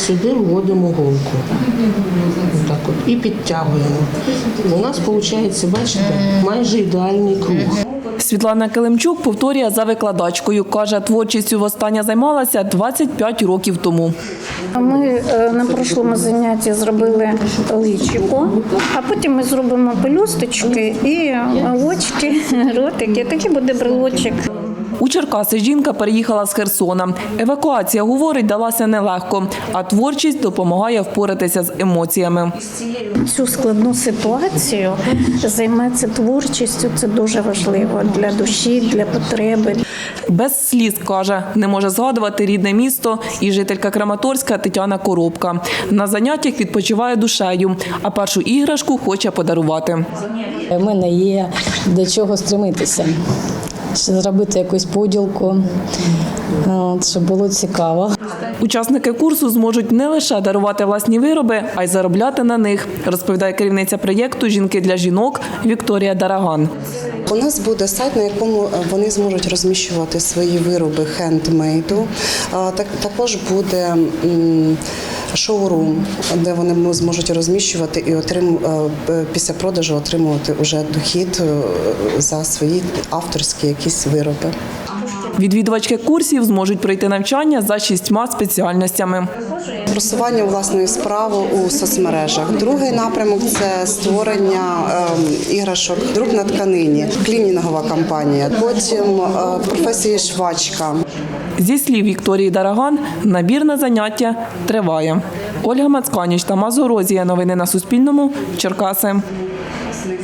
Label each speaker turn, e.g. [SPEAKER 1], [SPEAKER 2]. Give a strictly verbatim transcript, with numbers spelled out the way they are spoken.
[SPEAKER 1] сюди вводимо голку. Так от, і підтягуємо. У нас виходить, бачите, майже ідеальний круг.
[SPEAKER 2] Світлана Килимчук повторює за викладачкою. Каже, творчістю востаннє займалася двадцять п'ять років тому.
[SPEAKER 3] Ми на прошлому занятті зробили личико, а потім ми зробимо пелюсточки і очки, ротики. Такий буде брелочок.
[SPEAKER 2] У Черкаси жінка переїхала з Херсона. Евакуація, говорить, далася нелегко, а творчість допомагає впоратися з емоціями.
[SPEAKER 3] Цю складну ситуацію займатися творчістю – це дуже важливо для душі, для потреби.
[SPEAKER 2] Без сліз, каже, не може згадувати рідне місто і жителька Краматорська Тетяна Коробка. На заняттях відпочиває душею, а першу іграшку хоче подарувати.
[SPEAKER 4] У мене є до чого стремитися. Зробити якусь поділку, щоб було цікаво.
[SPEAKER 2] Учасники курсу зможуть не лише дарувати власні вироби, а й заробляти на них, розповідає керівниця проєкту «Жінки для жінок» Вікторія Дараган.
[SPEAKER 5] У нас буде сайт, на якому вони зможуть розміщувати свої вироби хендмейду. Також буде шоурум, де вони зможуть розміщувати і після продажу отримувати вже дохід за свої авторські якісь вироби.
[SPEAKER 2] Відвідувачки курсів зможуть пройти навчання за шістьма спеціальностями.
[SPEAKER 5] Просування власної справи у соцмережах. Другий напрямок – це створення е, іграшок, друк на тканині, клінінгова кампанія. Потім е, професія швачка.
[SPEAKER 2] Зі слів Вікторії Дараган, набір на заняття триває. Ольга Мацканіч, Тамас Горозія. Новини на Суспільному. Черкаси.